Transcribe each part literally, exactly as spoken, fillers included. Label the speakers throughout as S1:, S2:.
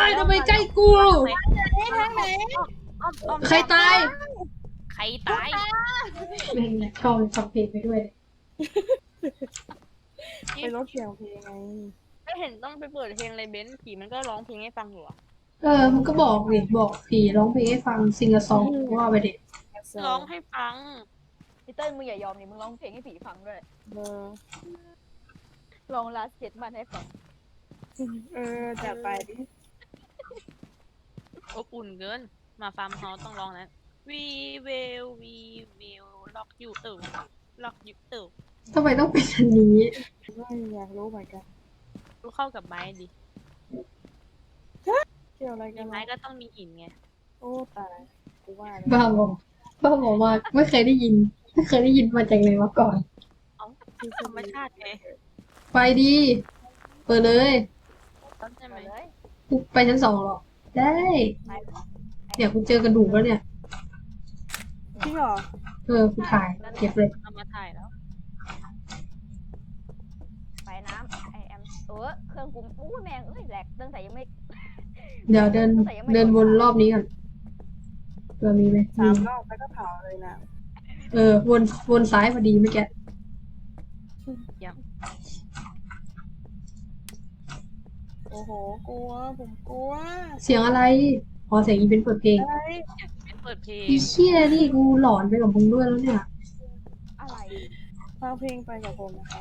S1: ยทำไมใกล้กู
S2: ทางไหน
S1: ใครตาย
S3: ใครตาย
S1: แม่งชอบฟังเพลงไปด้วย
S2: ไปรถเสียงเพลงไง
S3: ไม่เห็นต้องไปเปิดเพลงเลยเบนซ์ผีมันก็ร้องเพลงให้ฟังอยู่อะ
S1: เออมันก็บอกดิบอกผีร้องเพลงให้ฟังซิงกะซองว่าไปเด็ก
S3: ร้องให้ฟัง
S4: พี่เติ้ลมึงอย่ายอมนี่มึงร้องเพลงให้ผีฟังด้วย
S2: เออ
S4: ลองลาสเก็ตมันให้ฟัง
S2: เออจัดไปดิ
S3: อบอุ่นเกินมาฟาร์มเฮาส์ต้องร้องนะ We will we will lock you ตึก lock you ตึก
S1: ทำไมต้องเป็นอันนี้
S2: ไม่อยากรู้เหมือนกัน
S3: รู้เข้ากับไม้ดิ
S2: เกี่ยวอะไรกั
S3: มี
S2: น
S3: ไม้
S2: วะ
S3: ก็ต้องมีหินไง
S2: โอ้ตายกูว่าแล้ว
S1: บ้าบอกบ้าบอกว่าไม่เคยได้ยิน ไม่เคยได้ยินมาจากไหนมาก่อน
S3: ธรรมชาติไง
S1: ไปดีเปิดเลย
S3: ใช่ไหม
S4: เลย
S1: กูไปชั้นสองหรอ ได้เดี๋ยวกูเจอกระดูกแล้วเนี่ย
S2: จริงเหรอ
S1: เออกูถ่ายเก็บเลย
S3: เอามาถ่ายแล้ว
S4: ไปน้ำไอแอมเออเครื่องกูอู้แมงเอ้ยแหลกตั้งแต่ยังไม่
S1: เดี๋ยวเดินเดินวนรอบนี้ก่อนเผื่อมีไหม
S2: สา
S1: มี
S2: มรอบแล้วก็เผาเลยนะ
S1: เออวนวนซ้ายพอดีเมื่อกี้
S2: โอ้โหกลัวผมกลัว
S1: เสียงอะไรอ๋อเสียงอีเป็นเปิดเพลง
S2: อะไร
S3: เป็นเปิดเพลง
S1: อีเชี่ยนี่กูหลอนไปกับมึงด้วยแล้วเนี่ย
S4: อะไร
S2: ฟังเพลงไปกับผมนะครับ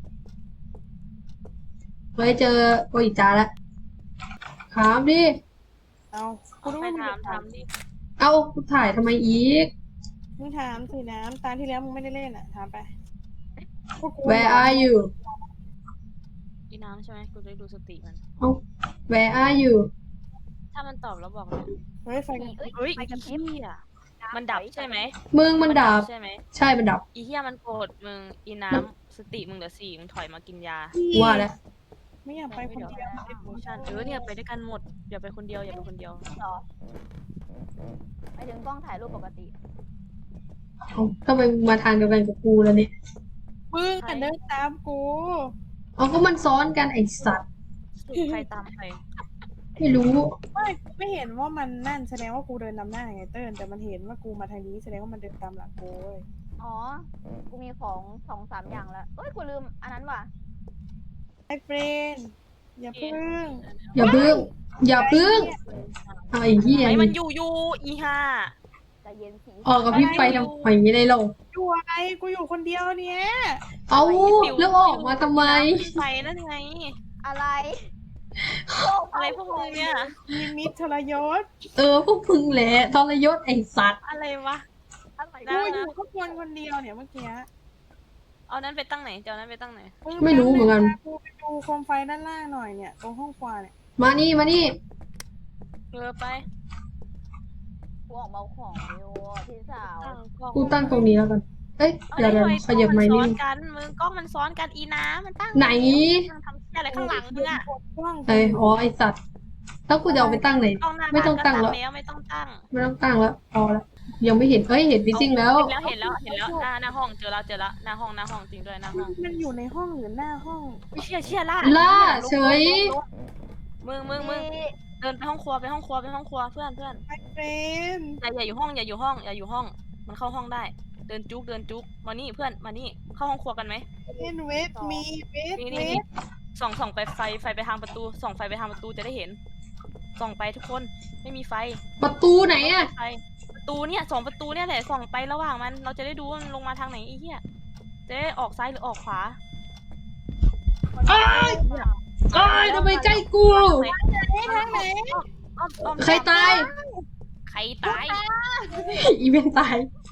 S1: ไว้เจอโออิจาแล้วถามดิ
S2: เอากู
S3: เอา
S2: รู้
S3: ไป
S2: ว่ามึง
S3: ถามถามดิ
S1: เอากูถ่ายทำไมอีก
S2: มึงถามสิน้ำตาที่แล้วมึงไม่ได้เล่นอ่ะถามไปพวกกู
S1: Where are you
S3: อีน้ำใช่ไหมกูจะได้ดูสติมัน
S1: เอ้า Where are you
S3: ถ้ามันตอบแล้วบอกเลย
S2: เฮ้ยไฟกัน
S4: เอ้ย
S3: เฮ้ย
S4: ไป
S3: อี
S4: กับ
S3: เหี้ยมันดับใช่ไหม
S1: มึงมันดับ
S3: ใช่ไหม
S1: ใช่มันดับ
S3: อีเหี้ยมันโกรธมึงอีน้ำสติมึงเหลือสี่มึงถอยมากินยา
S1: ว่าแล้ว
S2: ไม่อยากไปคนเดียว
S3: โมชั่นเออเนี่ยไปด้วยกันหมดอย่าไปคนเดียวอย่าไปคนเดียว
S4: เหรอไปถึงกล้องถ่ายรูปปกติ
S1: เอ้าทำไมมึงมาทางเดียวกันกับกูแล้วเนี่ย
S2: มึงอ่ะเดินตามกู
S1: เอาก็มันซ้อนกันไอสัตว์
S3: ใครตามใคร
S1: ไม่รู้
S2: ไม่กูไม่เห็นว่ามันนั่นแสดงว่ากูเดินนำหน้าไงเติ้ลแต่มันเห็นว่ากูมาทางนี้แสดงว่ามันเดินตามหลังกูเว้ย
S4: อ๋อ กูมีของสองสามอย่างแล้วเอ้ย กูลืมอันนั้นว่ะ
S2: ไอ้เฟรนอย่าพึ่ง
S1: อย่าพึ่ง อย่าพึ่งเอาไอ้เหี้ย
S3: ไอ้มัน
S1: นี่
S3: อยู่อยู่อีห่า
S4: ใจเย็นสี
S1: ออกกับพี่ไปทำไมไม่ได้ลง
S2: อยู่อะไรกูอยู่คนเดียวเนี่ย
S1: เอาแล้วออกมาทำไม
S3: ไปนั่นไง
S4: อะไร
S3: อะไรพวกมึงเนี่ย
S2: มีมิตรทรยศ
S1: เออพวกพึ่งแหละทรยศไอสัตว์
S3: อะไรวะ
S4: อะไร
S3: ได้
S2: กู
S3: นะ
S2: อยู่ข้างบนคนเดียวเนี่ยเมื่อกี้
S3: เอานั้นไปตั้งไหนเดี๋ยวนั้นไปตั้งไหน
S1: ไม่รู้เหมือนกัน
S2: กูไปดูโคมไฟด้านล่างหน่อยเนี่ยตรงห้องครัวเนี่ย
S1: มานี่มานี่
S3: เออไป
S4: กูออกมาเอาของอยู่พี่สาว
S3: ตั้งกล้อง
S1: กูตั้งตรงนี้แล้วกัน เอ้ยเดี๋ยวเดี๋ยวขยับไม้
S3: กล้
S1: นิ
S3: อง
S1: ด
S3: มันซ้อนกันมึงกล้องมันซ้อนกันอีน้ำมันตั้ง
S1: ไหน
S3: มันทำเชี่ยอะไรข้างหลังมึงอะ
S2: กล้อง
S1: เอ้ยอ๋อไอสัตว์แล้วกูจะเอาไปตั้งไหน
S3: กล้องหน้า
S1: ไม่ต้องตั้งแล้ว
S3: แล้วไม่ต้องตั้ง
S1: ไม่ต้องตั้งแล้วพอแล้วยังไม่เห็นเอ้ยเห็นฟิซซิ่งแล้ว
S3: เห็นแล้วเห็นแล้วเห็นแล้วหน้าหน้าห้องเจอแล้วเจอแล้วหน้าห้องหน้าห้องจริงด้วยหน้าห้อง
S2: มันอยู่ในห้องหรือหน้าห้อง
S3: เชี่ยเชี่ยล่า
S1: ล่าเฉย
S3: มึงมึงมึงเดินไปห้องครัวไปห้องครัวไปห้องครัวเพื่อนเพื่อน
S2: ไอ้เฟรน
S3: อย่าอย่าอยู่ห้องอย่าอยู่ห้องอย่าอยู่ห้อง มันเข้าห้องได้ เดินจุกเดินจุกมานี่เพื่อนมานี่เข้าห้องครัวกันไหม
S2: เล่นเวทมีเวท
S3: นี่
S2: เว
S3: นี่นี่
S2: ท
S3: ส่องส่องไปไฟไฟไปทางประตูส่องไฟไปทางประตูจะได้เห็น ส่องไปทุกคนไม่มีไฟ
S1: ประตูไหนอะ
S3: ไฟประตูเนี่ยสองประตูเนี่ยแหละส่องไประหว่างมัน เราจะได้ดูว่ามันลงมาทางไหนไอ้เหี้ยจะได้ออกซ้ายหรือออกขวา
S1: อ้ายอ้ายทำไมใกล้กู
S2: ทางไหน
S3: อ้อมอ้อม
S1: ใครตาย
S3: ใครตาย
S1: อีเวนต์ตาย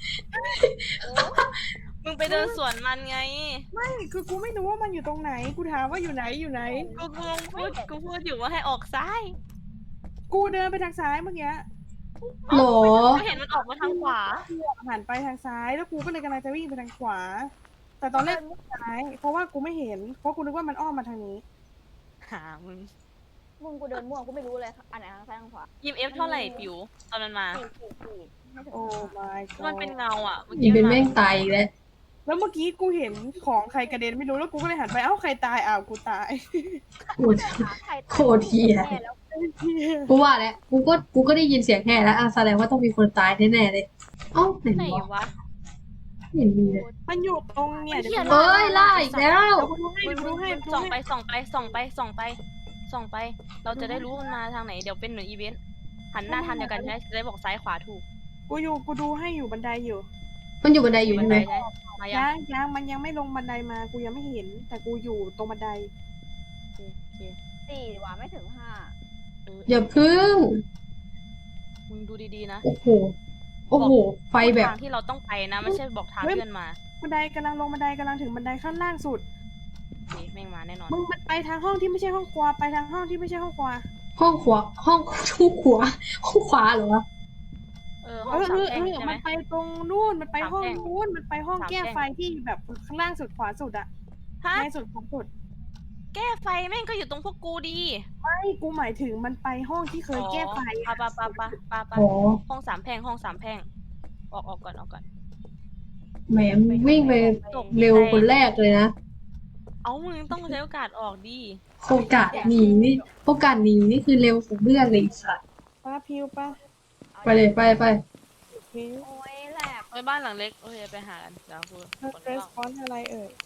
S3: มึงไปเดินสวนมันไง
S2: ไม่คือกูไม่รู้ว่ามันอยู่ตรงไหนกูถามว่าอยู่ไหนอยู่ไหน
S3: กูกูพูดกูพูดอยู่ว่าให้ออกซ้าย
S2: กูเดินไปทางซ้ายเมื่อกี้
S1: หรอ
S3: กูเห็นมันออกมาทางขวา
S2: หันไปทางซ้ายแล้วกูก็เลยกำลังจะวิ่งไปทางขวา แต่ตอนแรกซ้ายเพราะว่ากูไม่เห็นเพราะกูนึกว่ามันอ้อมมาทางนี้
S3: หามึง
S4: มึงกูเดินม่วงกูไม่รู้เลยอันไหนทางซ้ายทางขวา
S3: ยิมเอฟเท่าไหร่ปิวตอนมันมา
S4: สี่สี่สี่ไม่ถึง
S2: โอ้ my
S3: มันเป็น
S2: god
S3: เงาอ่ะ
S1: อีเวนต์แม่งตายอีกแล้ว
S2: แล้วเมื่อกี้กูเห็นของใครกระเด็นไม่รู้แล้วกูก็เลยหันไปเอ้าใครตายอ้าวกูตาย
S1: โคตร
S4: ใครตาย
S1: โคตรเหี้ย
S4: แน่แล้ว
S1: กูว่าแล้วกูก็กูก็ได้ยินเสียงแห่แล้วอ่ะแสดงว่าต้องมีคนตายแน่ๆเลยเอ้าไหน
S3: ไหน
S1: วะ
S3: วะ
S1: ไม่เห็นมีเลย
S2: มันอยู่ตรงเนี่ยเดี๋ยว
S1: เอ้ยล่าอีกแล้ว
S2: กูดูให้
S3: มึง
S2: ดู
S3: มึง
S2: ให้
S3: มึง
S2: ดู
S3: ส่องไป
S2: ให้
S3: ส่องไปส่องไปส่องไปส่องไป เราจะได้รู้มันมาทางไหนเดี๋ยวเป็นหน่วยอีเวนต์หันหน้าทางเดียวกันใช่ไหมจะได้บอกซ้ายขวาถูก
S2: กูอยู่กูดูให้อยู่บันไดอยู่
S1: มันอยู่บันไดอยู่
S3: บั
S1: ใช่
S3: น
S1: ไห
S3: ได
S1: ม
S3: ใช่มายัง
S2: ยังยังมันยังไม่ลงบันไดมากูยังไม่เห็น แต่กูอยู่ตรงบันได
S3: โอเคโอเค
S4: สี่ดีกว่าไม่ถึงห้า
S3: เออ
S1: อย่าพึ่ง
S3: มึงดูดีๆนะ
S1: โอ้โหโอ้โหไฟแบบ
S3: ทางที่เราต้องไปนะไม่ใช่บอกทางเพื่อนมา
S2: บันไดกำลังลงบันไดกำลังถึงบันไดขั้นล่างสุด
S3: โอเคแม่งมาแน่นอน
S2: มึงมันไปทางห้องที่ไม่ใช่ห้องครัวไปทางห้องที่ไม่ใช่ห้องครัว
S1: ห้องขวาห้องห้องขวาห้องขวาเหรอวะ
S3: เออ
S2: เอ
S3: ห้อง
S2: อ
S3: สาม
S2: เออ
S3: แพร่ง
S2: เออ
S3: ใช่ไหม
S2: มันไปตรงนู่นมันไปห้อง
S3: สามแพร่ง
S2: นู้นมันไปห้อง
S3: สาม
S2: แก้
S3: แพร่ง
S2: ไฟที่แบบข้างล่างสุดขวาสุดอะ
S3: ฮะ
S2: ในสุดขวาสุด
S3: แก้ไฟแม่งก็อยู่ตรงพวกกูดี
S2: ไม่กูหมายถึงมันไปห้องที่เคยแก้ไฟ
S3: ปะปะปะปะปะปะ
S1: อ๋อ
S3: ห้องสามแพร่งห้องสามแพร่งออกออกก่อนออกก่อน
S1: แหมวิ่งไปเร็วคนแรกเลยนะ
S3: เอามึงต้องใช้โอกาสออกดี
S1: โอกาสหนีนี่โอกาสหนีนี่คือเร็วของเพื่อนเลยสัตว์
S2: ป้าพิวป้า
S1: ไปเลยไปไป
S2: พิว
S4: โอ้ยแหลก
S3: ไปบ้านหลังเล็กโอเคไปหากันเดี๋ยวกู
S2: เธอ
S3: ขน
S2: เร
S3: ก
S2: สปอนอะไรเอ่ย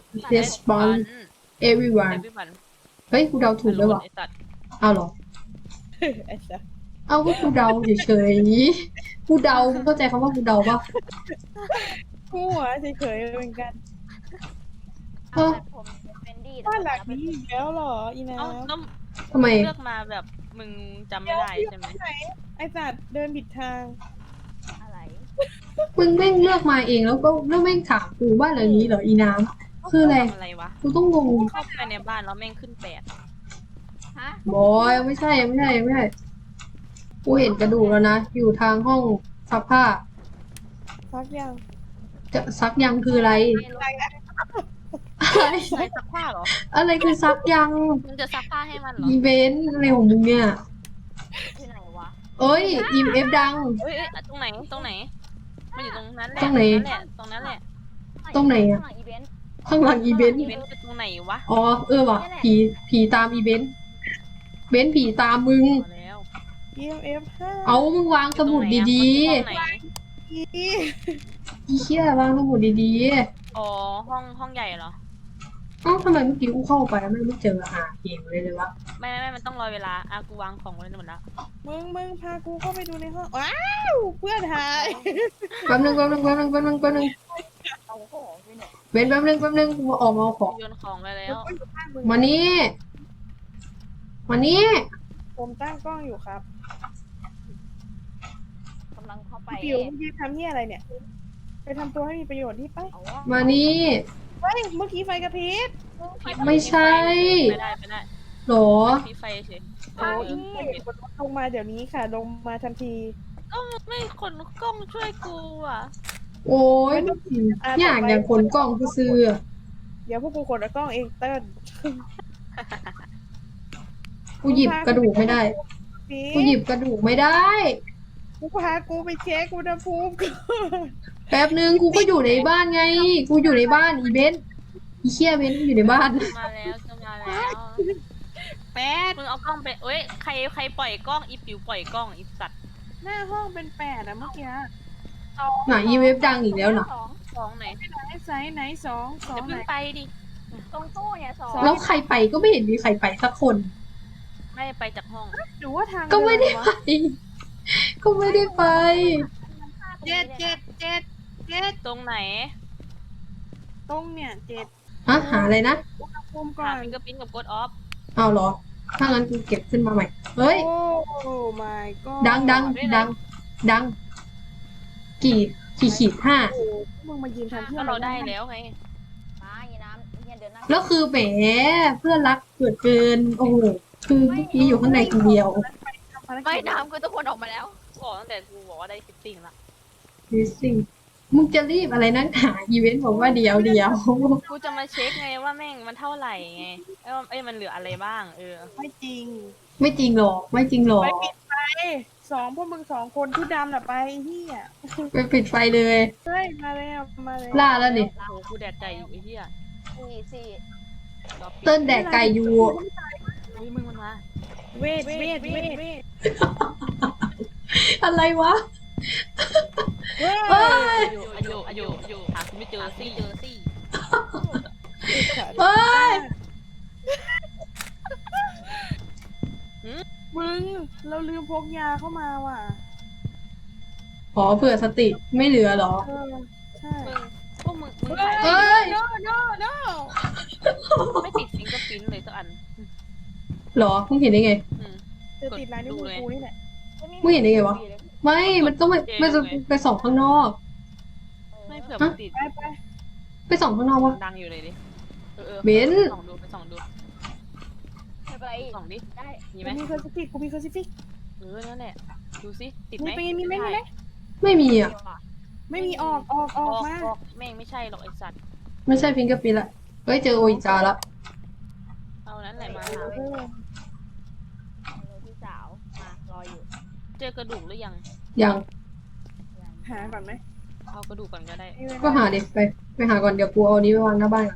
S1: respond everyone
S3: เอวิบัน
S1: เฮ้ยกูเดาถูกด้วยวะ
S3: ไอ้สัตว์
S1: เอาเหรอ
S2: ไอ้สัส
S1: เอาก็กูเดาเฉยๆกูเดามึงเข้าใจคำว่ากูเดาปะ
S2: กูหัวเฉยๆเหมือนกัน
S1: เออ
S4: แต่ผมเป็นดี
S2: บ้านหลังนี้อีกแล้วเหรออีน้
S3: เอ้าแล้ว
S1: ทำไม
S3: เลือกมาแบบมึงจำไม่ได้ใช่ไหม
S2: ำไหนไอ้สัตว์เดินผิดทาง
S4: อะไร
S1: มึงแม่งเลือกมาเองแล้วก็แล้วแม่งถามกูว่าอะไรนี้เหรออีน้ำคืออะไร
S3: อะไรวะ
S1: กูต้องงง
S3: เข้าไปในบ้านแล้วแม่งขึ้นแปด
S4: ฮะ
S1: บอยไม่ใช่ไม่ใช่ไม่ใช่กูเห็นกระดูกแล้วนะอยู่ทางห้องซักผ้า
S2: ซักยัง
S1: จะซักยังคืออะไร
S2: อะไรนะ
S1: อะไร
S3: ใช้ซักผ้าเหรอ
S1: อะไรคือซักยัง
S3: มึงจะซักผ้าให้มันเหรอ
S1: อีเวนต์อะไรของมึงเนี่ย
S4: ที่ไหนวะ
S1: เอ้ยอีเอฟดัง
S3: เอ้ยเอ้ยตรงไหนตรงไหนมันอยู่ตรงนั้นแหละ
S1: ตรงไหน
S3: ตรงนั้นแหละ
S1: ตรงไหนอะ
S4: ข้างลังอีเวนต์
S1: ข้างหลังอีเวนต์
S3: อีเวนต์คือตรงไหนวะ
S1: อ๋อเออว่ะผีผีตามอีเวนต์เบนซ์ผีตามมึง
S3: พอแล้ว
S2: เอ็มเอฟห้า
S1: เอามึงวางสมุดดี
S3: ตรงไหน
S2: อี
S1: ๆอีเชี่ยวางสมุดดี
S3: อ๋อห้องห้องใหญ่เหรอ
S1: ๆเอ้าทำไมเมื่อกี้กูเข้าไปแล้วไม่ไม่เจอหาเกมเลยเลยวะ
S3: ไม่ไม่ไม่มันต้องรอเวลาอ่ะกูวางของไว้หมดแล้ว
S2: มึงมึงพากูเข้าไปดูในห้องว้าวเพื่อนหาย
S1: แป๊บนึงแป๊บนึงแป๊บนึงแป๊บนึงแป๊บนึง
S4: เอาของไปเนี่ย
S1: เบนซ์แป๊บนึงแป๊บนึงกูออกมาเอาของ
S3: โยนของไปแล้ว
S2: กูอยู่ข้างมึง
S1: มานี่มานี่
S2: ผมตั้งกล้องอยู่ครับ
S4: กำลังเข้าไป
S2: ปิวมึงยืนทำเหี้ยอะไรเนี่ย ไปทำตัวให้มีประโยชน์ที่ไป
S4: เอาวะ
S1: มานี่
S2: เฮ้ยเมื่อกี้ไฟกระพริบ
S1: ไม่ใช่
S3: ไม่ได้ไม่ได้
S1: หรอ
S3: มีไฟเฉย
S2: โอ้ยลงมาเดี๋ยวนี้ค่ะ ลงมาทันที
S3: ก็ไม่คนกล้องช่วยกูอ่ะ
S1: โอ้ยอยากอย่างคนกล้องกูซื้อ
S2: เดี๋ยวพวกกูขนกล้องเองเติ้ล
S1: กูหยิบกระดูกไม่ได้ กูหยิบกระดูกไม่ได้
S2: กูพากูไปเช็คอุณหภูมิก่อน
S1: แป๊บนึงกูก็อยู่ในบ้านไง กูอยู่ในบ้านอีเบนซ์อีเชี่ยเบนซ์กูอยู่ในบ้าน
S3: จะมาแล้วจะมาแล้ว
S2: แปด
S3: มึงเอากล้องไปเอ้ยใครใครปล่อยกล้องอีปิวปล่อยกล้องอีสัตว์
S2: หน้าห้องเป็นแปดอะเมื่อกี้
S1: หน่ะอีเว็บดังอีกแล้วน่ะ
S4: สอง
S3: สองไหน
S2: ไหนไซส์ไหนสองสอ
S3: จะ
S2: งไหน
S3: เพิ่งไปดิ
S4: ตรงตู้เนี่ยสอง
S1: แล้วใครไปก็ไม่เห็นมีใครไปสักคน
S3: ไม่ไปจากห้อง
S2: หรือว่าทาง
S1: ก็ไม่ได้
S2: เน
S1: ไป
S2: วะ
S1: ก็ไม่ได้ไป
S2: เจ็ดเจ็ดเจ็ดเจ็ด
S3: ตรงไหน
S2: ตรงเนี่ยเจ็ด
S1: ฮะหาอะไรนะ
S2: อุณหภูมิก่อ
S3: หาน ฟิงเกอร์ปิ้นกับกดออฟ
S1: เอาเหรอ ถ้างั้นกูเก็บขึ้นมาใหม่ เฮ้ย
S2: โอ้ my god
S1: ดังดังดัง ดัง กี่กี่ขีดห้า
S2: โอ้โหมึงมายืนทำเพื่อ
S3: ก็
S2: อะ
S3: เรา
S2: ร
S3: ได้แล้วไง
S4: มาอีน้ำเนี่ยเดินหน้า
S1: แล้วคือแหมเพื่อนรักเกิดเกิน โอ้โห คือเมื่อกี้อยู่ข้างในคนเดียว
S4: ไม่น้ำคือทุกคนออกมาแล้ว
S3: กูบอกตั้งแต่กูบอกว่าได้ฟิตติ้งละ
S1: ดิสิมึงจะรีบอะไรนักหนาอีเวนต์บอกว่าเดียวเดียว
S3: กูจะมาเช็คไงว่าแม่งมันเท่าไหร่ไงเอ้ยว่าเอ้ยมันเหลืออะไรบ้าง เออ
S2: ไม่จริง
S1: ไม่จริงหรอก ไม่จริงหรอก
S2: ไปปิดไฟสองพวกมึงสองคนที่ดำน่ะไปเฮีย
S1: ไปปิดไฟเลย
S2: เฮ้ยมาแล้วมาแล้ว
S1: ล่าแล้วนี่
S3: โอ้โหกูแดกไก่อยู่ไอ้เหี้ย
S4: สี่สี่
S3: รอปิด
S1: เติ้ลแดกไก่อยู่
S3: เฮ้ยมึงมันมา
S2: รเวทเวทเวทเวท
S1: อะไรวะ
S2: เฮ้ย
S1: เอ้ย
S3: อยู่อยู่อยู่อยู่หาคุณไม่เจอซี่เจอซี่
S1: เอ้ย
S2: มึงเราลืมพกยาเข้ามาว่ะ
S1: อ๋อเผื่อสติไม่เหลือเหรอ
S2: เออใช่
S3: มึงพวกมึงมึง
S2: เฮ้
S3: ถ่าย
S2: ย
S1: เอ้ย
S2: no no no
S3: ไม่ติดฟิงเกอร์พิ้นเลยสักอัน
S1: เหรอมึงเห็นได้ไง
S3: อืม
S2: จะติดลายนิ้วมือกูนี่แหละ
S1: มึงเห็นได้ไงวะ ไม่ มันต้องไปมันจะไปส่องข้างนอก
S3: ไม่เผื่อมันติด
S2: ไปไป
S1: ไปส่องข้างนอกวะ
S3: ดังอยู่เลยดิเออเออ
S1: เบน
S3: ส่องดูไปส่องดู
S4: ไม่เป็นไร
S3: ส่องดิ
S4: ได้
S3: มี
S2: กู
S3: ไหม
S2: มีเคอร์ซิฟิกกูมีเคอร์ซิฟิก
S3: เออนั่นแหละดูสิติดไหม
S2: มีปีนมีไหมมีไหม
S1: ไม่มีอ่ะ
S2: ไม่มีออกออกอ
S3: อ
S2: อ
S3: อก ก
S2: มา
S3: ออกแม่งไม่ใช่หรอกไอสัตว์
S1: ไม่ใช่ฟิงเกอร์ปินละเฮ้ยเจอโออิจาละ
S3: เอานั้นแหละมาหา
S2: เออ
S4: พี่สาวมารออยู่
S3: เจอกระดูกหรือยัง
S1: ยัง
S2: หาก่อนไหม
S3: เอากระดูกก่อนก็ได้
S2: ไม่เป็นไร
S1: ก็หาดิไปไปหาก่อนเดี๋ยวกูเอาอันนี้ไปวางหน้าบ้านก่อน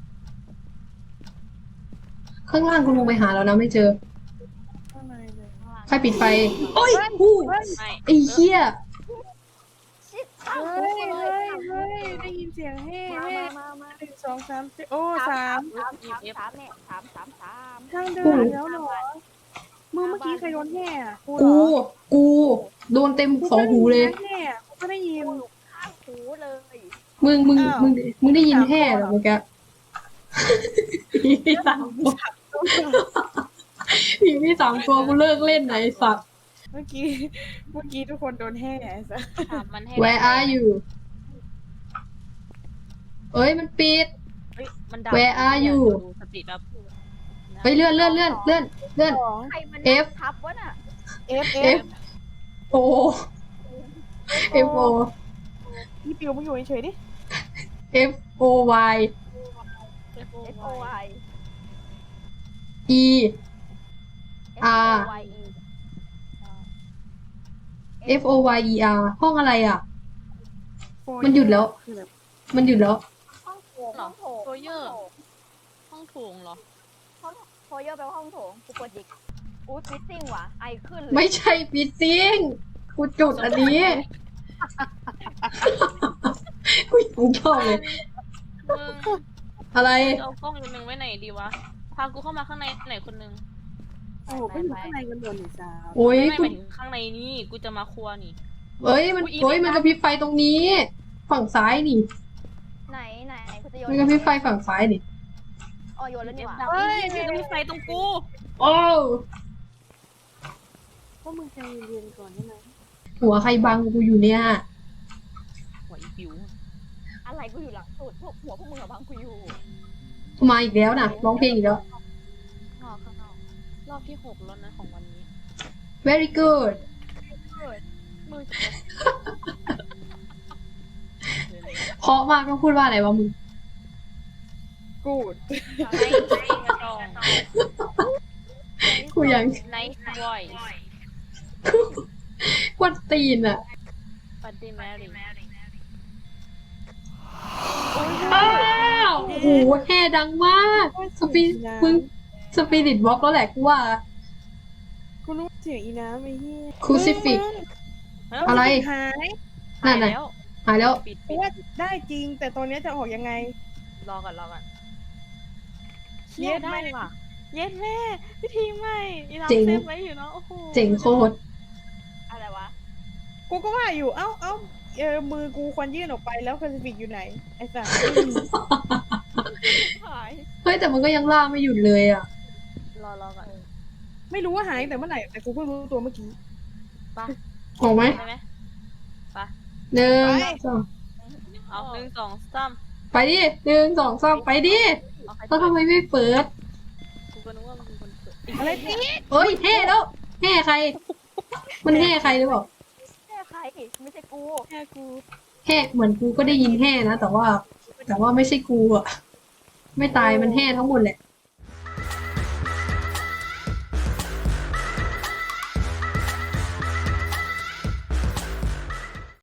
S1: ข้างล่างกูลงไปหาแล้วนะไม่เจอ
S2: ข้างในเลย
S1: ใครปิดไฟ โอ้ยอู้
S2: เฮ้ย
S3: ไม่
S1: ไอ้เหี้ย
S4: ชิด
S2: เฮ้ยเฮ้ยเฮ้ยได้ยินเสียงเฮ้
S4: มา
S2: เฮ้
S4: มามา
S2: หนึ่งสองสามสี่โอ้สาม
S4: สามสามสามเนี่ยสามสามสาม
S2: ทางเดินแล้วเหรอมือเมื่อกี้ใครโดนแห่อะกูเหร
S1: กู
S2: อ
S1: กู โดนเต็มสองหูเลย
S2: กูก็ได้นนะแห่กูก็ได้ยิน
S4: ข้างหูเลย
S1: มึงมึง
S2: อ้าว
S1: มึงมึงได้ยินแห่เหรอเมื่อกี้มีสามตัวมีมีสามตัวกูเลิกเล่นไหนสัตว์
S2: เมื่อกี้เมื่อกี้ทุกคนโดนแห่ไอ้สัส
S3: ถามมันให้
S1: Where are you เอ้ยมันปิด
S3: เฮ้ยมันดับ
S1: Where are you
S3: ดูสติแบบ
S1: ไปเลื่อนเลื่อนเลื่อนเลื่อนเลื่อน
S2: สอง
S4: ใครมัน
S1: F
S4: ทับวะน่ะ
S2: F
S1: F O F O
S2: พี่ปิวมึงอยู่เฉยๆดิ
S1: F O Y
S4: F O Y
S1: E
S4: F O Y E
S1: F O Y E R ห้องอะไรอ่ะ
S2: โฟร์
S1: มันหยุดแล้ว
S2: คือแบบ
S1: มันหยุดแล้ว
S4: ห้องโถงห้องโถง
S3: โฟเยอร์ห้องโถงเหรอ
S4: ห้องโฟเยอร์แปลว่าห้องโถงกูกดจิกอู้ฟิตติ้งว่ะไอขึ้นเลย
S1: ไม่ใช่ปิดซิงกูจุดอันนี้กูยังชอบเลย
S3: มึง
S1: อะไร
S3: จะเอากล้องตัวหนึ่งไว้ไหนดีวะพากูเข้ามาข้างในไหนคนหนึง
S2: โอ้โหก็อยู่ข้างในกันหมดเลยจ้า
S1: โอ้ย
S3: ไม่
S1: กู
S3: ไปถึงข้างในนี่กูจะมาครัวนี่
S1: เอ้ยมัน
S3: อุ๊ย
S1: โอ้ยมันกระพริบไฟตรงนี้ ฝั่งซ้ายนี่
S4: ไหนไหนกูจะโยน
S1: มันกระพริบไฟฝั่งซ้ายนี่
S4: อ๋อโยนแล้วนี่หว่า
S3: ดับนี่มันมีไฟตรงกู
S1: โอ้
S2: ก็มึงใจเย็นๆก่อนได้ไหม
S1: หัวใครบังกูอยู่เนี่ย
S3: หัวอีปิว
S4: อะไรกูอยู่หลังสุดพวกหัวพวกมึงอะบังกูอยู่
S1: มาอีกแล้วนะร้องเพลงอีกแล้ว
S3: นอกข้างนอกรอบที่หกแล้วนะของวันนี้
S1: very good
S3: มือจะ
S1: เพราะมากต้องพูดว่าอะไรวะมึง
S2: กูด
S3: ไม่ไม่กระดอง
S1: กูยัง
S3: Nice voice
S1: กวนตีนอ่ะ
S3: Buddy Mary
S1: อ้าวโอ้โหแห่ดังมากสปีมึงสปีริตบล็อกแล้วแหละกูว่า
S2: กูรู้เสียงอีน้ำไอ้เหี้ย
S1: Crucifix
S3: เฮ้ย
S1: อะไร
S2: หาย
S1: นั่นน่ะ
S3: แล้ว
S1: หายแล้ว
S3: ปิด
S2: เพ
S3: ปิ
S2: ราะ
S3: ด
S2: ว่าได้จริง แต่ตอนนี้จะออกยังไง
S3: รอก่อนรอก่อน
S2: เชี่
S3: เย็
S2: ย
S3: ดได้ว่ะเย็ดแม่พิธีใหม่อีน้ำ
S1: เจ๋ง
S3: เซฟไว้อยู่เนาะโอ้โห
S1: เจ๋งโคตร
S4: อะไรวะ
S2: กูก็ว่าอยู่ เอ้าเอ้าเออมือกูควรยื่นออกไปแล้วคอนฟิกอยู่ไหน ไอ้สัส
S4: หาย
S1: เฮ้ยแต่มันก็ยังล่าไม่หยุดเลยอ่ะ
S3: รอรอก่อน
S2: ไม่รู้ว่าหายตั้งแต่เมื่อไหร่ แต่กูเพิ่งรู้ตัวเมื่อกี้
S3: ไป
S1: ออกไหม
S3: ได้ไหม
S1: หนึ่ง
S2: ไป
S1: สอง
S3: เอาหนึ่งสองสาม
S1: ไปดิหนึ่งสองสามไปดิ
S3: เอาใคร
S1: แล้วทำไมไม่เปิด
S3: กูก็นึกว่ามึงเป็นคนเปิด
S2: อะไรติด
S1: เฮ้ยแห่แล้วแห่ใคร มันแห่ใครหรือเปล่า
S4: แค่ใครไม่ใช่กู
S2: แค่กู
S1: แห่เหมือนกูก็ได้ยินแห่นะแต่ว่า แต่ว่าไม่ใช่กูอ่ะ ไม่ตายมันแห่ทั้งหมดแหละ